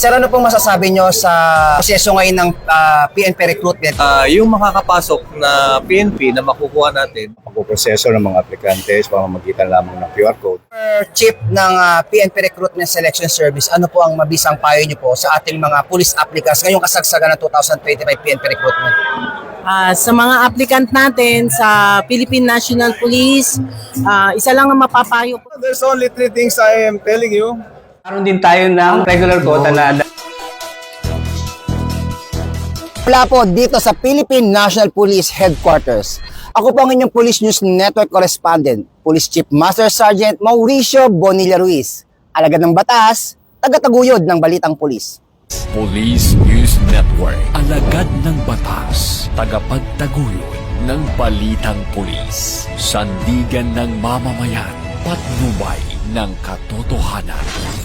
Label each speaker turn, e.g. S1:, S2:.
S1: Sir, ano pong masasabi nyo sa proseso ngayon ng PNP recruitment?
S2: Yung makakapasok na PNP na makukuha natin,
S3: Pagpuproseso ng mga aplikante sa pamamagitan lamang ng QR code.
S1: Chief ng PNP Recruitment Selection Service, ano po ang mabisang payo nyo po sa ating mga police applicants ngayong kasagsagan ng 2025 PNP recruitment?
S4: Sa mga applicant natin sa Philippine National Police, isa lang ang mapapayo ko.
S3: There's only three things I am telling you.
S5: Meron din tayo ng regular quota na
S1: Wala po dito sa Philippine National Police Headquarters. Ako po ang inyong Police News Network Correspondent, Police Chief Master Sergeant Mauricio Bonilla Ruiz, alagad ng batas, taga-taguyod ng Balitang Pulis.
S6: Police News Network, alagad ng batas, tagapagtaguyod ng Balitang Pulis, sandigan ng mamamayan, patnubay ng katotohanan.